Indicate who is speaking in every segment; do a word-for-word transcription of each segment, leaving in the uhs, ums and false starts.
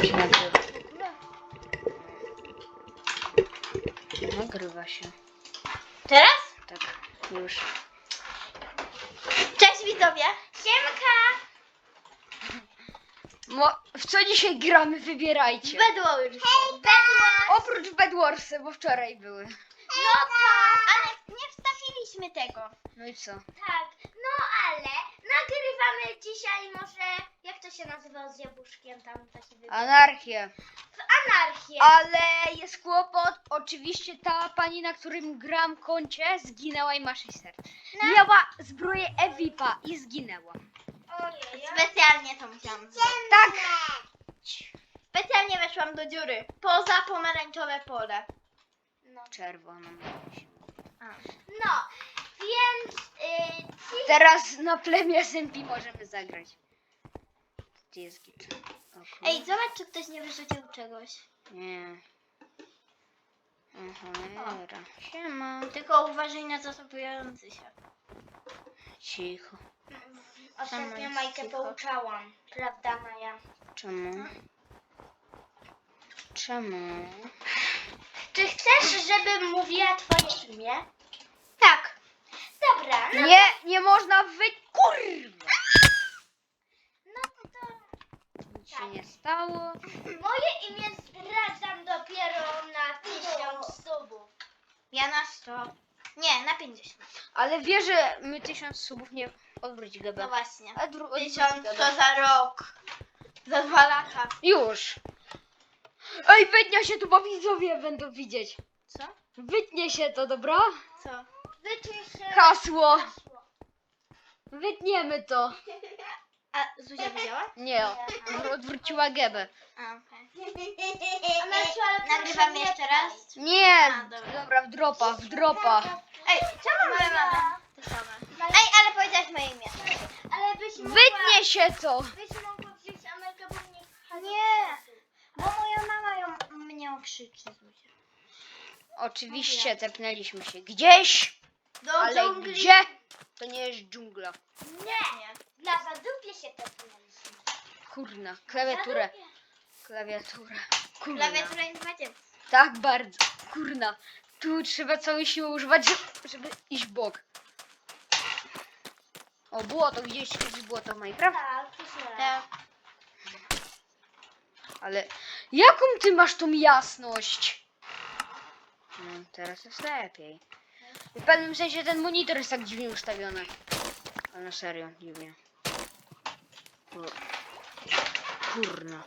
Speaker 1: się nagrywa. Nagrywa się.
Speaker 2: Teraz?
Speaker 1: Tak, już.
Speaker 2: Cześć widzowie! Siemka!
Speaker 1: Mo w co dzisiaj gramy? Wybierajcie.
Speaker 2: Bedwars! Hej, Bedwars!
Speaker 1: Oprócz Bedwarsy, bo wczoraj były.
Speaker 2: No tak, ale nie wstawiliśmy tego.
Speaker 1: No i co?
Speaker 2: Tak, no ale nagrywamy dzisiaj może, jak to się nazywa z jabłuszkiem tam taki wybieg?
Speaker 1: Anarchię.
Speaker 2: Anarchię.
Speaker 1: Ale jest kłopot. Oczywiście ta pani, na którym gram koncie, zginęła i ma sześć serc. Miała zbroję Evipa i zginęła.
Speaker 2: Specjalnie to musiałam zrobić.
Speaker 1: Tak.
Speaker 2: Specjalnie weszłam do dziury. Poza pomarańczowe pole. No,
Speaker 1: Czerwoną.
Speaker 2: no więc yy, ci...
Speaker 1: Teraz na plemię S M P możemy zagrać. Gdzie jest git? O kur-
Speaker 2: Ej, zobacz, czy ktoś nie wyrzucił czegoś.
Speaker 1: Nie. Cholera. Siema.
Speaker 2: Tylko uważaj na zasobujący się.
Speaker 1: Cicho.
Speaker 2: Ostatnio
Speaker 1: Sama
Speaker 2: Majkę
Speaker 1: cicho.
Speaker 2: pouczałam. Prawda, Maja?
Speaker 1: Czemu? Czemu?
Speaker 2: Czy chcesz, żebym mówiła twoje imię? Tak. Dobra, no,
Speaker 1: Nie, nie można wy... Kurwa!
Speaker 2: no to, to
Speaker 1: Nic się nie stało.
Speaker 2: moje imię zdradzam dopiero na tysiąc subów. Ja na sto. Nie, na pięćdziesiąt.
Speaker 1: Ale wie, że my tysiąc subów nie... Odwróć
Speaker 2: No
Speaker 1: gębę.
Speaker 2: właśnie.
Speaker 1: Odwró- odwróć
Speaker 2: Tysiąc
Speaker 1: gębę.
Speaker 2: to za rok. Za dwa lata.
Speaker 1: Już! Ej, wytnie się tu, bo widzowie będą widzieć.
Speaker 2: Co?
Speaker 1: Wytnie się to, dobra?
Speaker 2: Co? Wytnij się.
Speaker 1: Hasło!
Speaker 2: Hasło.
Speaker 1: Wytniemy to.
Speaker 2: A Zuzia widziała?
Speaker 1: Nie, odwróciła gębę.
Speaker 2: A, okej. Nagrywamy jeszcze raz?
Speaker 1: Nie!
Speaker 2: A, dobra.
Speaker 1: Dobra, w dropa, w dropa.
Speaker 2: Ej, czemu my mamy to same? Ej, ale powiedziałaś moje imię. Ale byś mogła...
Speaker 1: Wytnie się to!
Speaker 2: Byś mogła wziąć Amelkę, bo mnie... Nie, bo moja mama ją, mnie okrzyczy, Zuzia.
Speaker 1: Oczywiście tepnęliśmy się gdzieś,
Speaker 2: Do
Speaker 1: ale
Speaker 2: dżungli.
Speaker 1: gdzie? To nie jest dżungla.
Speaker 2: Nie, nie. Dla zadupie się tepnęliśmy.
Speaker 1: Kurna, klawiaturę. Klawiaturę. Kurna.
Speaker 2: Klawiatura nie macie.
Speaker 1: Tak bardzo. Kurna. Tu trzeba całej siły używać, żeby- żeby iść w bok. O, błoto, gdzieś kiedyś było to w Minecraft?
Speaker 2: Tak, tak.
Speaker 1: Ale jaką ty masz tą jasność? No, teraz jest lepiej. W pewnym sensie ten monitor jest tak dziwnie ustawiony. Ale na serio, dziwnie. Kur- Kurna.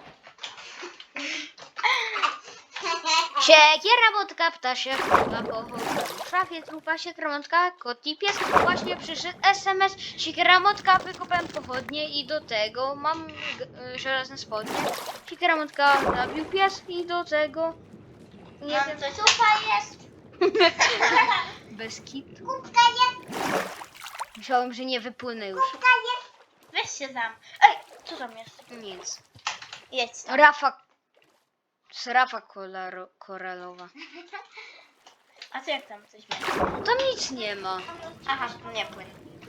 Speaker 1: Siekiera, motka, ptasia, chyba pochodzą. W szafie trupa się kramotka, kot i pies. Właśnie przyszedł S M S. Siekiera, motka, wykopałem pochodnie i do tego mam g- żelazne spodnie. Siekiera, motka, zabił pies i do tego... Nie
Speaker 2: Mam
Speaker 1: wiem,
Speaker 2: coś. Supa jest.
Speaker 1: bez kitu.
Speaker 2: Kubka jest.
Speaker 1: Myślałem, że nie wypłynę już.
Speaker 2: Kubka jest. Weź się tam. Ej, co tam jest?
Speaker 1: Nic.
Speaker 2: Jedź tam.
Speaker 1: Rafa... Z Rafa kolaro- koralowa.
Speaker 2: A co jak tam coś będzie?
Speaker 1: Tam nic nie ma.
Speaker 2: Aha, nie płyn.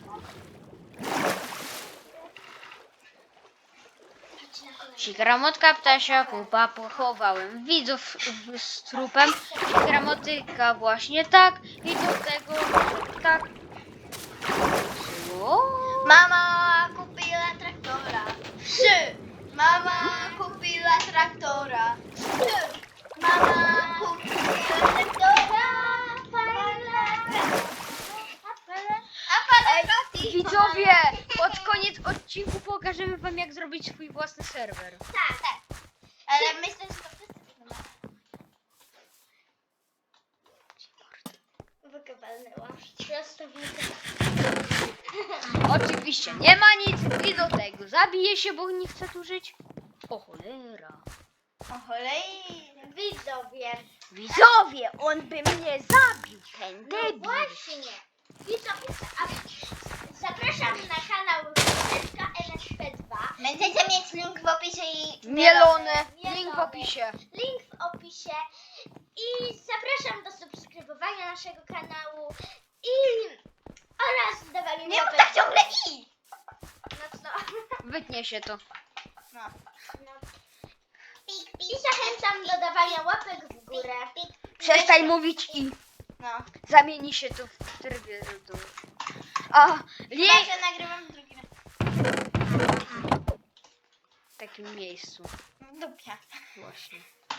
Speaker 1: Sikramotka, ptasia, pupa, pochowałem widzów w- z trupem. Sikramotyka właśnie tak i do tego tak. Co?
Speaker 2: Mama kupiła traktora. Trzy. Mama kupiła traktora. Trzy. Mama kupiła traktora. Aparatoti.
Speaker 1: Widzowie, pod koniec odcinku pokażemy wam, jak zrobić swój własny serwer.
Speaker 2: Tak, tak. Ale myślę, że to wszyscy będą. Wykowalnęłam.
Speaker 1: Oczywiście nie ma nic i do tego zabije się, bo nie chce tu żyć. O cholera.
Speaker 2: O cholej. Widzowie.
Speaker 1: Widzowie, on by mnie zabił, ten
Speaker 2: No
Speaker 1: debil.
Speaker 2: właśnie. Widzowie, a zapraszam na kanał L S P dwa. Będziecie mieć link w opisie i...
Speaker 1: Mielone.
Speaker 2: Mielone.
Speaker 1: Link w opisie.
Speaker 2: Link w opisie. I zapraszam do subskrybowania naszego kanału. I... oraz dawania
Speaker 1: Nie
Speaker 2: łapek
Speaker 1: mów tak
Speaker 2: w górę.
Speaker 1: ciągle
Speaker 2: No co?
Speaker 1: Wytnie się to.
Speaker 2: No. No. I zachęcam do dawania łapek w górę.
Speaker 1: Przestań mówić i
Speaker 2: No.
Speaker 1: zamieni się to w trybie do... A, nie!
Speaker 2: Chyba, że nagrywam drugi raz.
Speaker 1: W takim miejscu.
Speaker 2: W dupie.
Speaker 1: Właśnie.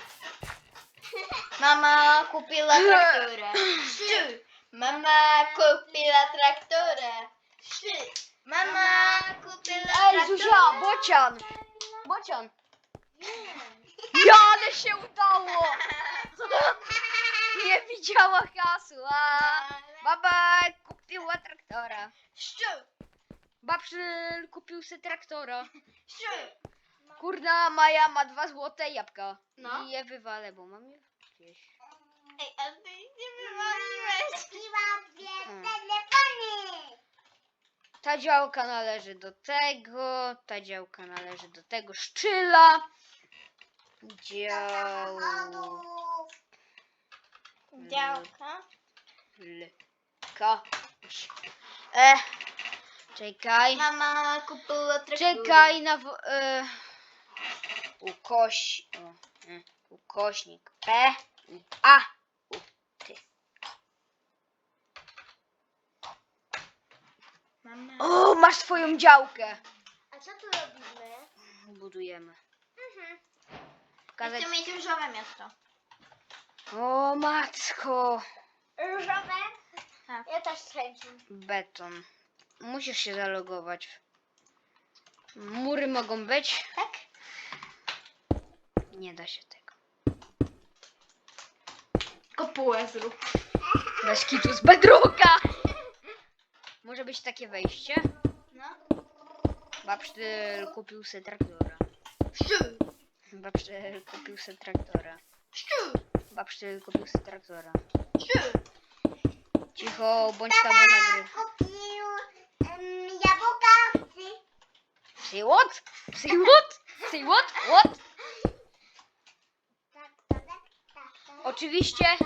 Speaker 2: Mama kupiła traktorę. Szczu. Mama kupiła traktorę. Szczu. Mama kupiła
Speaker 1: Ej, Zuzia,
Speaker 2: traktorę.
Speaker 1: bocian! Bocian! Ja, ale się udało! Nie widziała hasła! Baba kupiła traktora.
Speaker 2: Szczu.
Speaker 1: Babszyl kupił sobie traktora.
Speaker 2: Szczu.
Speaker 1: Kurna, Maja ma dwa złote jabłka.
Speaker 2: No.
Speaker 1: I je wywalę, bo mam je gdzieś.
Speaker 2: Ej, a ty nie wywaliłeś. Kupiłam dwie
Speaker 1: Mm.
Speaker 2: telefony.
Speaker 1: Ta działka należy do tego, ta działka należy do tego szczyla. Dział...
Speaker 2: Działka.
Speaker 1: Lka. E, czekaj.
Speaker 2: Mama kupiła traktorę.
Speaker 1: Czekaj na... wo- E, ukoś... O, e, ukośnik P. U, A. U, ty.
Speaker 2: Mama.
Speaker 1: O, masz swoją działkę.
Speaker 2: A co tu robimy?
Speaker 1: Budujemy.
Speaker 2: Mhm.
Speaker 1: Pokazać...
Speaker 2: Chcę mieć różowe miasto.
Speaker 1: O, matko.
Speaker 2: Różowe? Tak. Ja też z chęcią.
Speaker 1: Beton. Musisz się zalogować. Mury mogą być?
Speaker 2: Tak?
Speaker 1: Nie da się tego.
Speaker 2: Kopułę zrób.
Speaker 1: Bez kitu z bedrocka. Może być takie wejście?
Speaker 2: No.
Speaker 1: Babsztyl kupił se traktora.
Speaker 2: Szczu.
Speaker 1: Babsztyl kupił se traktora.
Speaker 2: Szczu.
Speaker 1: Babsztyl kupił se traktora.
Speaker 2: Szczu.
Speaker 1: Cicho, bądź tam nagry.
Speaker 2: kupił um, jabłka.
Speaker 1: Say what? Say what? Say what? What? Oczywiście.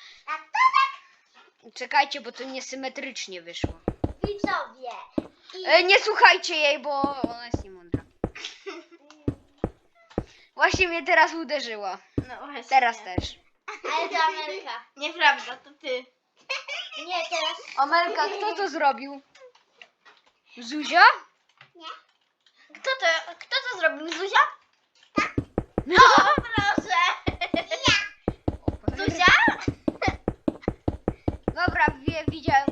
Speaker 1: Czekajcie, bo to niesymetrycznie wyszło.
Speaker 2: Widzowie.
Speaker 1: E, nie słuchajcie jej, bo ona jest niemądra. Właśnie mnie teraz uderzyła.
Speaker 2: No właśnie.
Speaker 1: Teraz też.
Speaker 2: Ale to Amelka. Nieprawda, to ty. Nie, teraz.
Speaker 1: Amelka, kto to zrobił? Zuzia?
Speaker 2: Kto to, kto to zrobił? Zuzia?
Speaker 1: No.
Speaker 2: O, proszę. Zuzia?
Speaker 1: Dobra, wie, widziałem.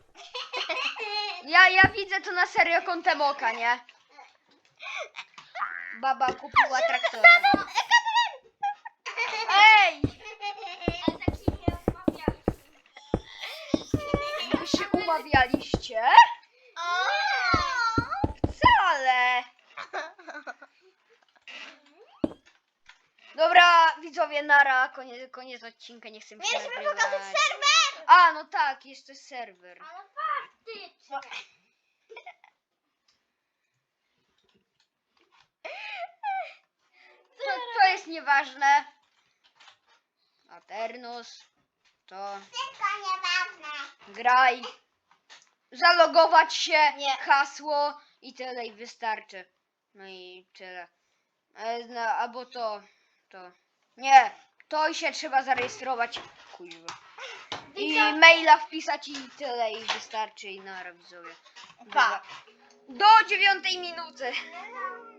Speaker 1: Ja, ja widzę to na serio kątem oka, nie? Baba kupiła traktora. Ej!
Speaker 2: Ale tak się nie rozmawiali.
Speaker 1: Wy się umawialiście?
Speaker 2: O!
Speaker 1: Wcale! Dobra, widzowie, nara, koniec, koniec odcinka, nie chcę mi się
Speaker 2: Mieliśmy
Speaker 1: nagrywać.
Speaker 2: pokazać serwer!
Speaker 1: A, no tak, jeszcze serwer.
Speaker 2: Ale faktycznie.
Speaker 1: To, to jest nieważne. Aternos, to
Speaker 2: Wszystko nieważne.
Speaker 1: graj. Zalogować się,
Speaker 2: Nie.
Speaker 1: hasło i tyle i wystarczy. No i tyle. E, No, albo to, to. Nie, to i się trzeba zarejestrować. Kuźwa. I
Speaker 2: Widzowie.
Speaker 1: maila wpisać i tyle i wystarczy i nara widzowie.
Speaker 2: Pa.
Speaker 1: Do dziewiątej minuty.
Speaker 2: No, no.